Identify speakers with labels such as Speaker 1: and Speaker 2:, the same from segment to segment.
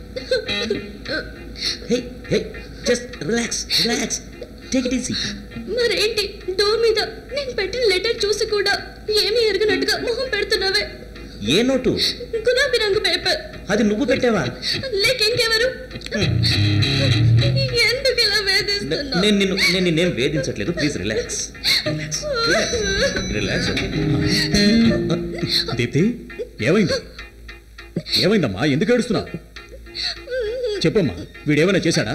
Speaker 1: Hey hey just relax relax take it easy.
Speaker 2: మరేంటి door మీద నేను పెట్టిన లెటర్ చూసి కూడా ఏమీ ఎరగనట్టుగా మొహం పెడుతున్నావే?
Speaker 1: ఏ నోటు?
Speaker 2: గులాబీ రంగు పేపర్.
Speaker 1: అది నువ్వు పెట్టావా?
Speaker 2: లేక ఇంకెవరు? ఎందుకు ఇలా వేధిస్తున్నావు?
Speaker 1: నేను నిన్నేం వేధించట్లేదు. Please relax relax relax.
Speaker 3: Deepti, ఏమైంది? ఏమైందమ్మా? ఎందుకు ఏడుస్తున్నావు? చెప్పమ్మా, వీడేమైనా చేశాడా?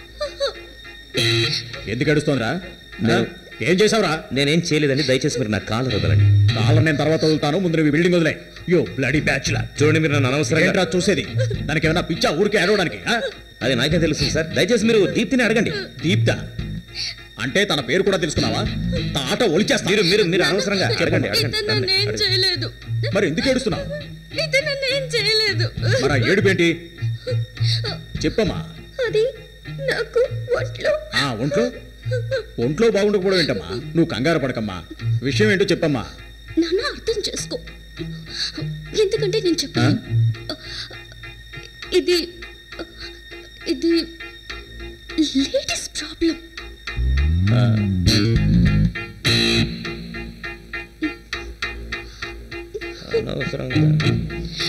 Speaker 3: ఎందుకు ఏడుస్తోందిరా? ఏం చేసావురా?
Speaker 1: నేనేం చేయలేదండి, దయచేసి మీరు నా కాలర్ వదలండి.
Speaker 3: కాలర్ నేను తర్వాత వదులుతాను, ముందు నువ్వు బిల్డింగ్ వదిలే. యో బ్లడీ బ్యాచ్లర్.
Speaker 1: చూడండి, మీరు నన్ను అనవసరంగా
Speaker 3: చూసేది. దానికి ఏమైనా పిచ్చా ఊరికే ఏడవడానికి?
Speaker 1: అది నాకే తెలుసు సార్. దయచేసి మీరు దీప్తిని అడగండి.
Speaker 3: దీప్త అంటే తన పేరు కూడా తెలుసుకున్నావా? తాట ఒలిచేస్తా.
Speaker 1: మీరు అనవసరంగా అడగండి.
Speaker 2: చేయలేదు.
Speaker 3: మరి ఎందుకు ఏడుస్తున్నావు?
Speaker 2: చేయలేదు.
Speaker 3: మరి ఏడుపేంటి చెప్పమ్మా.
Speaker 2: అది నాకు
Speaker 3: ఒంట్లో ఒంట్లో బాగుండకపోవడం ఏంటమ్మా? నువ్వు కంగారు పడకమ్మా. విషయం ఏంటో చెప్పమ్మా.
Speaker 2: నాన్న అర్థం చేసుకో. ఎందుకంటే నేను చెప్పాను, ఇది ఇది లేడీస్ ప్రాబ్లం.
Speaker 1: అనవసరంగా